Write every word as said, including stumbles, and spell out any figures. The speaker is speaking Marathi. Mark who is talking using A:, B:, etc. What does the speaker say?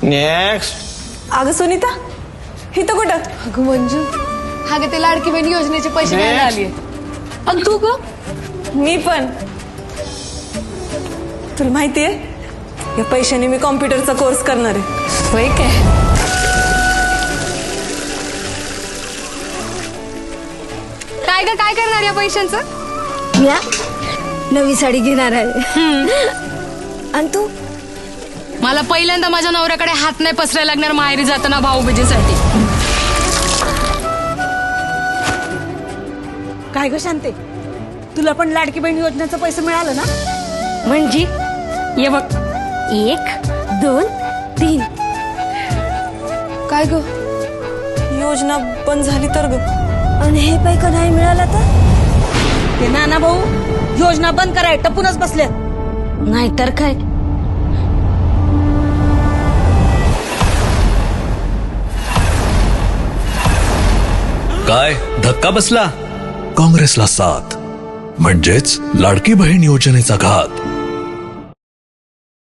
A: नेक्स्ट.
B: अगं सुनीता इथं कुठं?
C: अगं मंजू हा गे ते लाडकी बहीण योजनेचे पैसे घ्यायला आलीये. आणि तू ग?
B: मी पण. तुला माहितीये या पैशाने मी कॉम्प्युटरचा कोर्स करणार आहे.
C: होय काय? काय ग काय करणार या पैशांचं?
D: या नवी साडी घेणार आहे. आणि तू?
C: मला पहिल्यांदा माझ्या नवऱ्याकडे हात नाही पसरायला लागणार माहेरी जाताना भाऊबीजेसाठी.
E: काय ग शांते, तुला पण लाडकी बहीण योजनेचं पैसे मिळालं ना?
D: म्हणजे
C: ये बघ.
D: एक दोन तीन.
C: काय ग?
B: योजना बंद झाली तर ग.
D: आणि हे पैका नाही मिळाला तर?
E: ते नाना भाऊ योजना बंद कराय टपूनच बसले.
D: नाहीतर काय.
F: काय धक्का बसला? काँग्रेसला साथ म्हणजेच लाडकी बहीण योजनेचा घात.